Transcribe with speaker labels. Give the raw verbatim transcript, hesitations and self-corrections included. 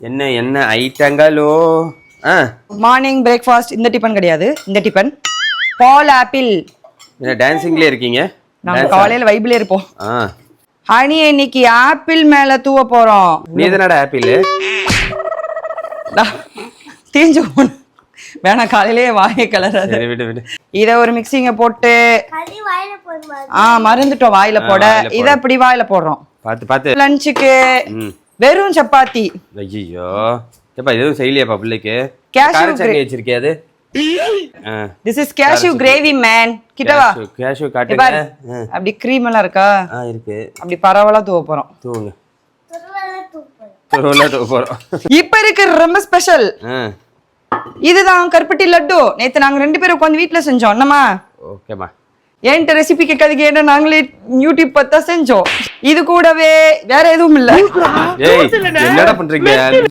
Speaker 1: என்ன என்ன ஐட்டங்களோ? ஆ
Speaker 2: மார்னிங் பிரேக்ஃபாஸ்ட் இந்த டிபன் கிடையாது, இந்த டிபன் பால் ஆப்பிள்.
Speaker 1: என்ன டான்சிங்லயே இருக்கீங்க?
Speaker 2: நாங்க காலையில வைபிளே இருப்போம்.
Speaker 1: ஆ
Speaker 2: ஹனி இன்னைக்கு ஆப்பிள் மேல தூவ போறோம்.
Speaker 1: நீ தானடா ஆப்பிள்?
Speaker 2: தீஞ்சு போன வேணா காலையிலேயே வாயை கலராது.
Speaker 1: சரி விடு விடு.
Speaker 2: இத ஒரு மிக்சிங்க போட்டு ஆ மறந்துட்டோம் வாயில போட. இத இப்படி வாயில போடுறோம்.
Speaker 1: பாத்து பாத்து.
Speaker 2: லஞ்சுக்கு
Speaker 1: ம்
Speaker 2: வெறும் சப்பாத்தி.
Speaker 1: ஐயோ ஏப்பா எதுவும் செய்யலையாப்பா பிள்ளைக்கு?
Speaker 2: Cashew
Speaker 1: கார சட்னி வச்சிருக்கே அது? ஆ
Speaker 2: This is cashew gravy man. கிட்ட வா.
Speaker 1: கேஷ்யூ காட்டுங்க.
Speaker 2: அப்படி க்ரீம் எல்லாம் இருக்கா?
Speaker 1: ஆ இருக்கு.
Speaker 2: அப்படி பரவலா தூவ போறோம்.
Speaker 1: தூவுங்க. துருவலா தூவ போறோம்.
Speaker 2: இப்ப இருக்கு ரொம்ப ஸ்பெஷல்.
Speaker 1: ஆ
Speaker 2: இதுதான் கருப்பட்டி லட்டு. நேத்து நாங்க ரெண்டு பேரும் உட்கார்ந்து வீட்ல செஞ்சோம். என்னமா?
Speaker 1: ஓகேமா.
Speaker 2: என்கிட்ட ரெசிபி கேட்காதீங்க, ஏன்னா நாங்களே யூடியூப் பார்த்தா செஞ்சோம். இது கூடவே வேற எதுவும் இல்ல.
Speaker 1: ஏய் என்னடா பண்றீங்க?